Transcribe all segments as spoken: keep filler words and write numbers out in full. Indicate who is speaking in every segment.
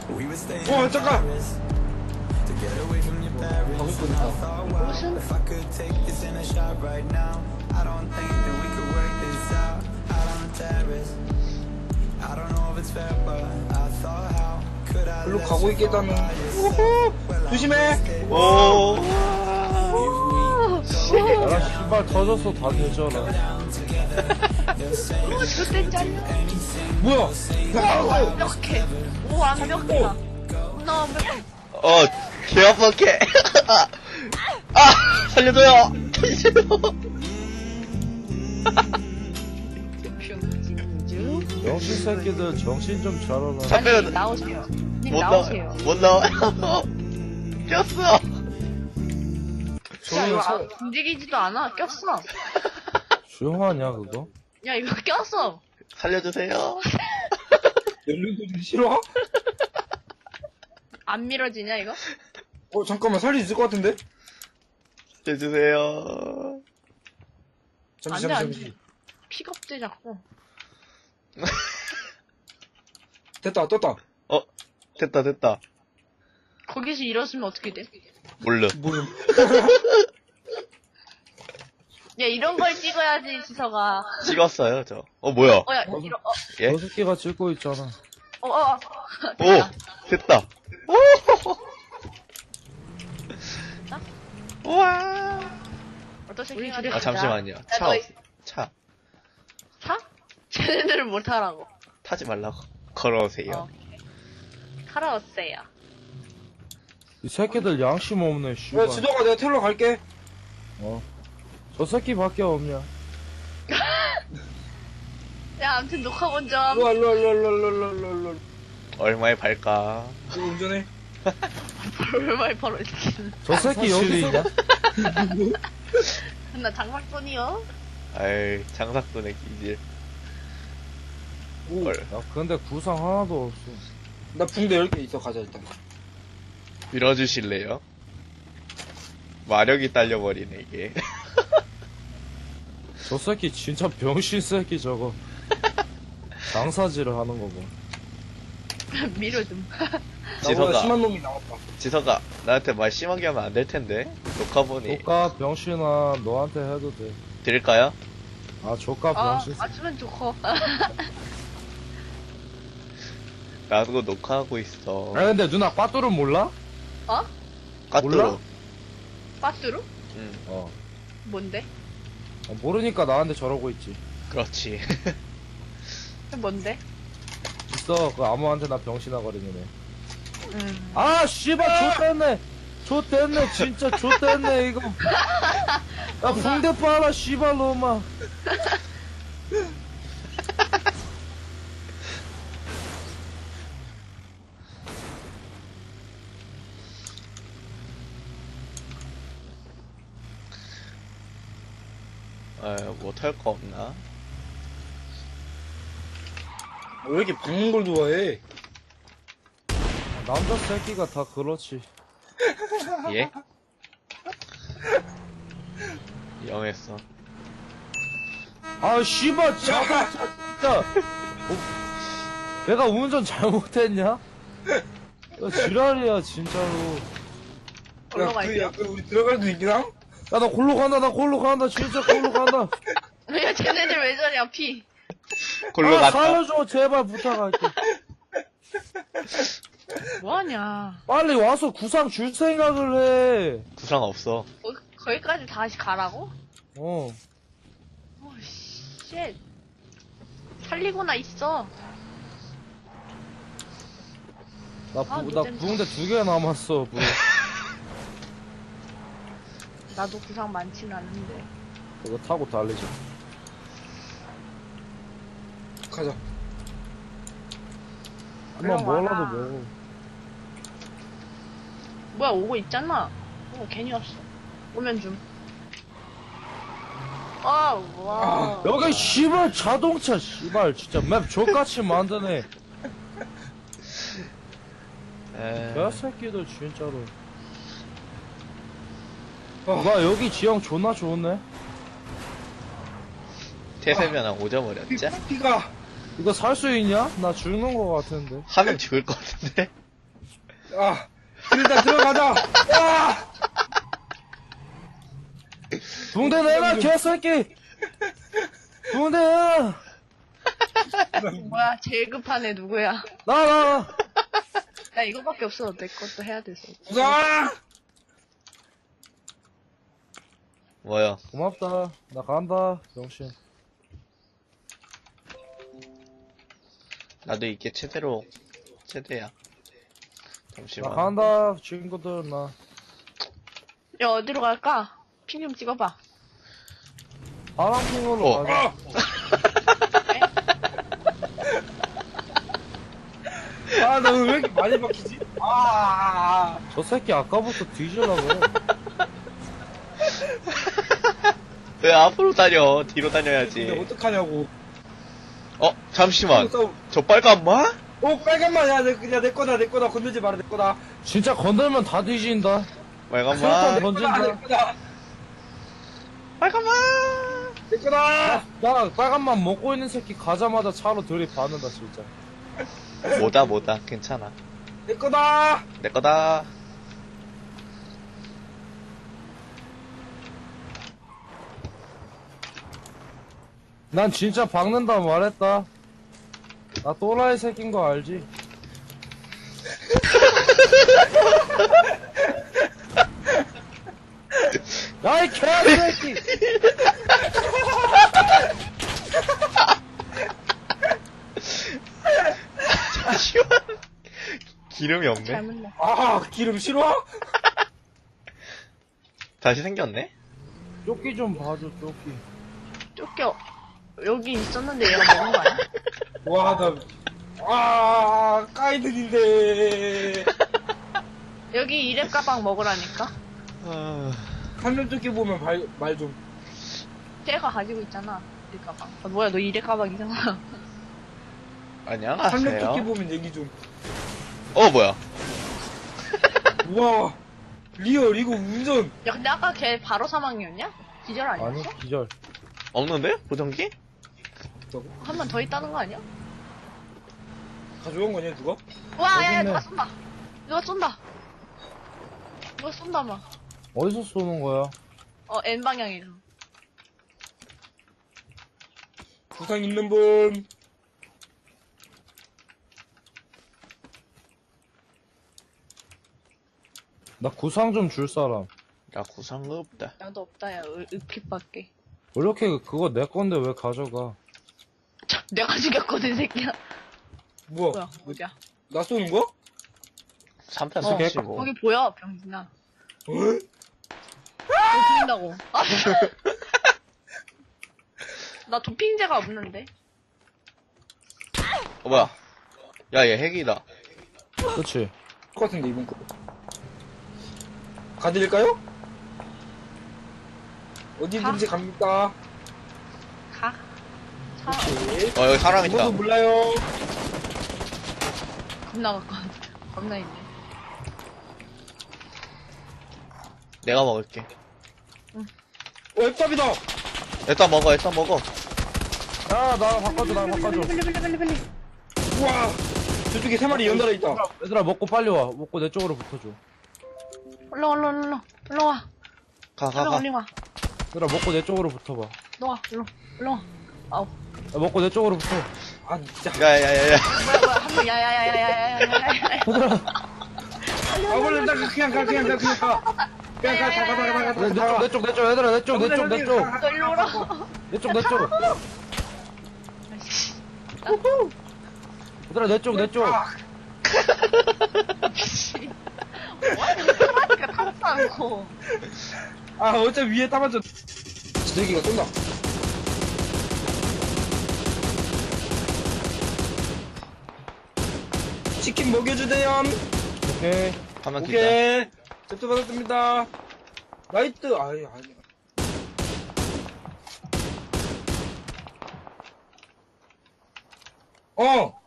Speaker 1: 어 잠깐. 별로 가고 있겠다는. 우후, 조심해.
Speaker 2: 오.
Speaker 3: 야, 씨발 터졌어 다 되잖아.
Speaker 4: 오, 저때 잘려.
Speaker 1: 뭐야?
Speaker 4: 오, 완벽해. 오, 완벽하다. 나 완벽해.
Speaker 2: 어, 개 아파게. 아, 살려줘요. 살려줘요.
Speaker 4: 병신주.
Speaker 3: 병신 새끼들 정신 좀 차려라.
Speaker 2: 잠깐만.
Speaker 4: 나오세요. 님
Speaker 2: 못
Speaker 4: 나오세요.
Speaker 2: 나와. 못 나와. 꼈어.
Speaker 4: 야, 이거 아, 움직이지도 않아. 꼈어.
Speaker 3: 조용하냐 그거?
Speaker 4: 야, 이거 꼈어.
Speaker 2: 살려주세요.
Speaker 1: 연륜도 싫어?
Speaker 4: 안 밀어지냐, 이거?
Speaker 1: 어 잠깐만 살릴 수 있을 것 같은데?
Speaker 2: 살려주세요.
Speaker 1: 잠시
Speaker 4: 안 돼, 안
Speaker 1: 잠시
Speaker 4: 돼.
Speaker 1: 잠시.
Speaker 4: 픽업돼, 자꾸.
Speaker 1: 됐다 떴다.
Speaker 2: 어, 됐다, 됐다.
Speaker 4: 거기서 일었으면 어떻게 돼?
Speaker 2: 몰라.
Speaker 1: 뭐야?
Speaker 4: 야, 이런 걸 찍어야지, 지서가.
Speaker 2: 찍었어요, 저. 어, 뭐야.
Speaker 4: 어, 야, 이런, 어,
Speaker 2: 예?
Speaker 3: 저 새끼가 찍고 있잖아.
Speaker 4: 어, 어, 어.
Speaker 2: 오, 됐다. 오!
Speaker 4: 됐다?
Speaker 2: 우와.
Speaker 4: 어떤 새끼
Speaker 2: 아, 잠시만요. 차,
Speaker 4: 너,
Speaker 2: 없, 차.
Speaker 4: 차? 쟤네들은 못 타라고.
Speaker 2: 타지 말라고. 걸어오세요.
Speaker 4: 어. 타러오세요.
Speaker 3: 이 새끼들 양심 없네 씨발.
Speaker 1: 야 지도가 내가 태우러 갈게.
Speaker 3: 어. 저 새끼밖에 없냐?
Speaker 4: 야, 아무튼 녹화 먼저.
Speaker 1: 일로와 일로와 일로와 일로와 일로와 일로와 일로와.
Speaker 2: 얼마에 팔까?
Speaker 1: 이거 운전해.
Speaker 4: 얼마에 벌어지긴.
Speaker 3: 저 새끼 여기서
Speaker 4: 나 장막돈이요?
Speaker 2: 아이, 장사꾼의 기질.
Speaker 1: 오.
Speaker 2: 헐.
Speaker 3: 야 근데 구상 하나도 없어.
Speaker 1: 나 붕대 열 개 있어. 가자 일단.
Speaker 2: 밀어주실래요? 마력이 딸려버리네, 이게.
Speaker 3: 저 새끼 진짜 병신 새끼 저거. 장사질을 하는 거 봐.
Speaker 4: 밀어 좀.
Speaker 1: 나보다
Speaker 2: 지서가,
Speaker 1: 심한 놈이 나왔다.
Speaker 2: 지서가, 나한테 말 심하게 하면 안 될 텐데. 녹화 보니.
Speaker 3: 조카 병신아 너한테 해도 돼.
Speaker 2: 드릴까요?
Speaker 3: 아 조카
Speaker 4: 아,
Speaker 3: 병신.
Speaker 4: 맞으면 좋고.
Speaker 2: 나도 녹화하고 있어.
Speaker 3: 아 근데 누나 빠뚜를 몰라?
Speaker 4: 어?
Speaker 2: 까뚜로.
Speaker 3: 몰라?
Speaker 4: 빠뚜루?
Speaker 2: 응,
Speaker 3: 어.
Speaker 4: 뭔데?
Speaker 3: 어, 모르니까 나한테 저러고 있지.
Speaker 2: 그렇지.
Speaker 4: 뭔데?
Speaker 3: 있어 그 아무한테나 병신아 거리는 애.
Speaker 4: 음.
Speaker 3: 아 씨발 좆됐네. 좆됐네 진짜 좆됐네 이거. 야 붕대 빨아 씨발 놈아.
Speaker 2: 아, 못할 거 없나?
Speaker 1: 왜 이렇게 박는 걸 좋아해?
Speaker 3: 남자 새끼가 다 그렇지.
Speaker 2: 예? 영했어.
Speaker 3: 아 씨발 자동차 진짜. 어, 내가 운전 잘못했냐? 야, 지랄이야 진짜로.
Speaker 4: 올라
Speaker 1: 야, 그,
Speaker 4: 갈게요.
Speaker 1: 야, 그 우리 들어갈 수 있긴 함?
Speaker 3: 야 나 골로 간다 나 골로 간다 진짜 골로 간다.
Speaker 4: 야, 쟤네들 왜 저냐, 피.
Speaker 2: 골로
Speaker 3: 아,
Speaker 2: 갔다.
Speaker 3: 살려줘 제발 부탁할게.
Speaker 4: 뭐하냐.
Speaker 3: 빨리 와서 구상 줄 생각을 해.
Speaker 2: 구상 없어.
Speaker 4: 거, 거기까지 다시 가라고?
Speaker 3: 어.
Speaker 4: 오, 쉣. 살리고나 있어.
Speaker 3: 나,
Speaker 4: 아,
Speaker 3: 부, 나
Speaker 4: 노잼.
Speaker 3: 부흥대 두 개 남았어. 부.
Speaker 4: 나도 구상 많지는 않는데.
Speaker 3: 그거 타고 달리자.
Speaker 1: 가자.
Speaker 3: 한번
Speaker 4: 얼른
Speaker 3: 뭐라도
Speaker 4: 와라.
Speaker 3: 먹어.
Speaker 4: 뭐야, 오고 있잖아. 어, 괜히 왔어. 오면 좀. 아, 와.
Speaker 3: 여기 씨발 자동차 씨발 진짜 맵 족같이 만드네.
Speaker 2: 에...
Speaker 3: 개새끼들 진짜로.
Speaker 1: 어.
Speaker 3: 와 여기 지형 존나 좋네.
Speaker 2: 태세면 한 오 점 어렸지?
Speaker 1: 피가.
Speaker 3: 이거 살 수 있냐? 나 죽는 거 같은데.
Speaker 2: 하면 죽을 것 같은데?
Speaker 1: 아, 일단 들어가자. 아!
Speaker 3: 붕대 내놔, 개새끼! 붕대 내놔!
Speaker 4: 뭐야, 제일 급한 애 누구야?
Speaker 3: 나, 나,
Speaker 4: 나 이거밖에 없어. 내 것도 해야 돼서.
Speaker 1: 우상!
Speaker 2: 뭐야?
Speaker 3: 고맙다. 나 간다, 병신.
Speaker 2: 나도 이게 최대로 최대야.
Speaker 3: 나
Speaker 2: 잠시만.
Speaker 3: 간다, 친구들, 나.
Speaker 4: 야, 어디로 갈까? 핑 좀 찍어봐.
Speaker 3: 파랑핑으로
Speaker 2: 어.
Speaker 3: 가자.
Speaker 1: 아, 나 왜 이렇게 많이 박히지? 아,
Speaker 3: 저 새끼 아까부터 뒤질라고.
Speaker 2: 왜 앞으로 다녀? 뒤로
Speaker 1: 근데
Speaker 2: 다녀야지.
Speaker 1: 어떡하냐고.
Speaker 2: 어, 잠시만.
Speaker 1: 싸움.
Speaker 2: 저 빨간 마?
Speaker 1: 오, 빨간만, 야, 내, 야, 내 거다, 내 거다. 건들지 마라, 내 거다.
Speaker 3: 진짜 건들면 다 뒤진다.
Speaker 2: 빨간
Speaker 3: 수류탄
Speaker 2: 마?
Speaker 3: 던-
Speaker 1: 내 거다, 내 거다.
Speaker 2: 빨간 마?
Speaker 1: 내 거다.
Speaker 3: 나 빨간만 먹고 있는 새끼 가자마자 차로 들이받는다, 진짜.
Speaker 2: 뭐다 뭐다 괜찮아.
Speaker 1: 내 거다.
Speaker 2: 내 거다.
Speaker 3: 난 진짜 박는다 말했다. 나 또라이 새끼인 거 알지? 야이 개새끼!
Speaker 2: 잠시만. 기름이 없네.
Speaker 4: 잘못 나.
Speaker 1: 아, 기름 싫어?
Speaker 2: 다시 생겼네.
Speaker 3: 조끼 좀 봐줘, 조끼.
Speaker 4: 쫓겨. 여기 있었는데 얘가 먹은 거 아니야?
Speaker 1: 와, 나, 아, 까이들인데.
Speaker 4: 여기 이랩 가방 먹으라니까?
Speaker 2: 아...
Speaker 1: 한면 쫓기 보면 말, 말 좀.
Speaker 4: 쟤가 가지고 있잖아. 이랩 가방. 아, 뭐야, 너 이랩 가방이잖아.
Speaker 1: 한면
Speaker 2: 안녕하세요.
Speaker 1: 쫓기 보면 얘기 좀.
Speaker 2: 어 뭐야?
Speaker 1: 우와, 리얼, 이거 운전.
Speaker 4: 야, 근데 아까 걔 바로 사망이었냐? 기절 아니었어?
Speaker 3: 아니, 기절.
Speaker 2: 없는데? 보정기?
Speaker 4: 한 번 더 있다는 거 아니야?
Speaker 1: 가져온 거냐, 누가?
Speaker 4: 와, 야, 야,
Speaker 3: 있네.
Speaker 4: 누가 쏜다. 누가 쏜다. 누가 쏜다, 막.
Speaker 3: 어디서 쏘는 거야?
Speaker 4: 어, N 방향에서.
Speaker 1: 부상 있는 분.
Speaker 3: 나 구상 좀 줄 사람.
Speaker 2: 나 구상 없다.
Speaker 4: 나도 없다, 야. 을- 읍kit밖에.
Speaker 3: 왜 이렇게 그거 내 건데 왜 가져가?
Speaker 4: 참, 내가 죽였거든, 새끼야.
Speaker 1: 뭐야?
Speaker 4: 뭐야, 어디야?
Speaker 1: 나 쏘는 거?
Speaker 2: 삼 편
Speaker 4: 어,
Speaker 2: 쏘시고.
Speaker 4: 거기 보여, 병진아.
Speaker 1: 어?
Speaker 4: 너 죽인다고. 아, 나 도핑제가 없는데.
Speaker 2: 어 뭐야? 야 얘 핵이다.
Speaker 3: 그치?
Speaker 1: 똑같은데, 이번 거. 가드릴까요? 어디든지 갑니까?
Speaker 4: 가. 차,
Speaker 1: 네.
Speaker 2: 어 여기 사람 있다.
Speaker 1: 저도 몰라요.
Speaker 4: 겁나 가까운. 겁나 있네.
Speaker 2: 내가 먹을게.
Speaker 1: 어, 앱답이다!
Speaker 2: 일단 먹어 일단 먹어.
Speaker 3: 야, 나 바꿔줘, 나 바꿔줘.
Speaker 4: 빨리, 빨리, 빨리, 빨리.
Speaker 1: 우와! 저쪽에 세 마리 연달아 있다.
Speaker 3: 얘들아, 먹고 빨리 와. 먹고 내 쪽으로 붙어줘.
Speaker 4: 올라와, 올라와, 올라와. 올라와.
Speaker 2: 가 가
Speaker 4: 올라와,
Speaker 2: 가.
Speaker 4: 올라와.
Speaker 3: 얘들아, 먹고 내 쪽으로 붙어봐.
Speaker 4: 올라와, 올라와. 올라와. 아우.
Speaker 3: 야, 먹고 내 쪽으로 붙어.
Speaker 1: 아, 진짜.
Speaker 2: 야야야야.
Speaker 4: 뭐야, 뭐야. 한 명, 야야야야야야야야야.
Speaker 3: 얘들아,
Speaker 1: 아, 원래 나 그냥 가, 그냥 가, 그냥 가. 그냥 가, 가, 가, 가, 가, 가,
Speaker 3: 내, 내 쪽,
Speaker 1: 가.
Speaker 3: 내 쪽, 내 쪽, 얘들아, 내 쪽, 내 쪽, 내 쪽.
Speaker 4: 너 일로 오라.
Speaker 3: 내 쪽, 내 쪽. 얘들아, 내 쪽, 내 쪽.
Speaker 4: 뭐하니까 타지 않고.
Speaker 1: 아, 어차피 위에 따맞춰. 지들기가 쏜다. 치킨 먹여주대요.
Speaker 3: 오케이.
Speaker 2: 가만 기다.
Speaker 1: 오케이. 접수 받았습니다. 나이트, 아이, 아니. 어!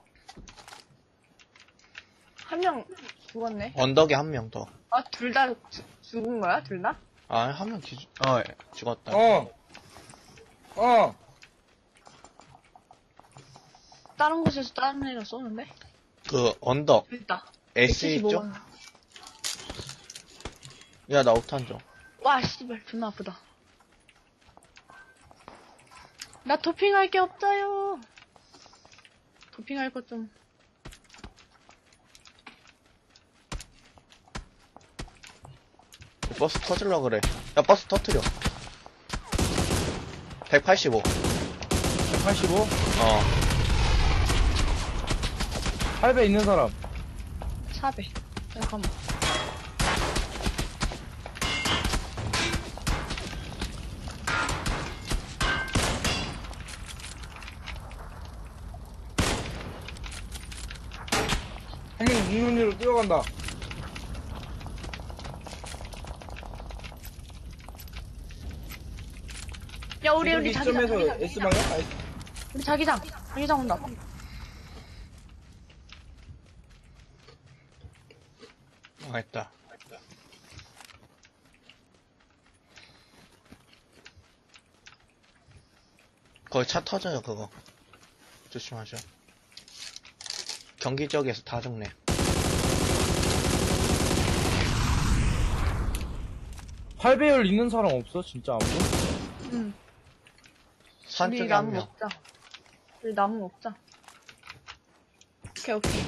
Speaker 4: 한 명 죽었네.
Speaker 2: 언덕에 한 명 더.
Speaker 4: 아, 둘 다 죽은 거야? 둘 다?
Speaker 2: 아 한 명 기준. 어 예, 죽었다.
Speaker 1: 어! 어!
Speaker 4: 다른 곳에서 다른 애가 쏘는데?
Speaker 2: 그 언덕
Speaker 4: 됐다.
Speaker 2: S 있죠? 야, 나 옥탄 좀.
Speaker 4: 와, 씨발, 존나 아프다. 나 도핑할 게 없어요. 도핑할 것 좀.
Speaker 2: 버스 터질라 그래. 야, 버스 터트려. 백팔십오.
Speaker 3: 백팔십오?
Speaker 2: 어.
Speaker 3: 팔 배 있는 사람.
Speaker 4: 사 배. 잠깐만.
Speaker 1: 한 명 눈으로 뛰어간다.
Speaker 4: 야, 우리, 우리
Speaker 1: 이
Speaker 4: 자기장.
Speaker 1: 점에서
Speaker 4: 자기장,
Speaker 1: S 방향? 아,
Speaker 4: 우리 자기장. 자기장 온다.
Speaker 2: 망했다. 거기 차 터져요, 그거. 조심하셔. 경기 지역에서 다 죽네.
Speaker 3: 팔 배율 있는 사람 없어? 진짜 아무도?
Speaker 4: 응.
Speaker 2: 산
Speaker 4: 우리
Speaker 2: 쪽에 한
Speaker 4: 나무
Speaker 2: 명.
Speaker 4: 먹자. 우리 나무 먹자. 오케이, 오케이.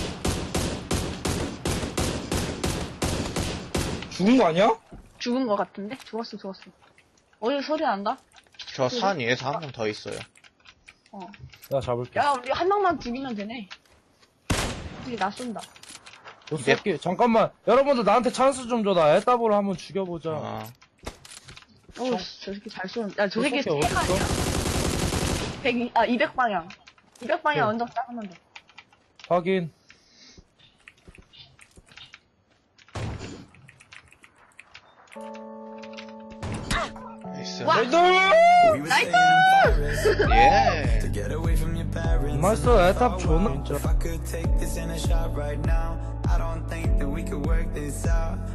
Speaker 1: 죽은 거 아니야?
Speaker 4: 죽은 거 같은데? 죽었어, 죽었어. 어디 소리 난다?
Speaker 2: 저 산 위에서 한 명 더 있어요.
Speaker 4: 어.
Speaker 3: 내가 잡을게.
Speaker 4: 야, 우리 한 명만 죽이면 되네. 우리 나 쏜다.
Speaker 3: 너 쏠게. 잠깐만. 여러분들 나한테 찬스 좀 줘. 나 에따보를 한번 죽여보자.
Speaker 2: 어.
Speaker 4: 어우, 씨, 저 새끼 잘 쏘는. 야, 저 새끼
Speaker 3: 저 새끼
Speaker 4: 핵
Speaker 3: 어딨어?
Speaker 4: 아니야? 백, 아, 이백 방향. 이백 방향
Speaker 3: 네.
Speaker 4: 언덕 작으면 돼.
Speaker 3: 확인.
Speaker 2: 나이스.
Speaker 4: 와!
Speaker 1: 나이스!
Speaker 2: 예.
Speaker 3: 나이스. 에따 존나 진짜.
Speaker 5: If I could take this in a shot right now, I don't think that we could work this out.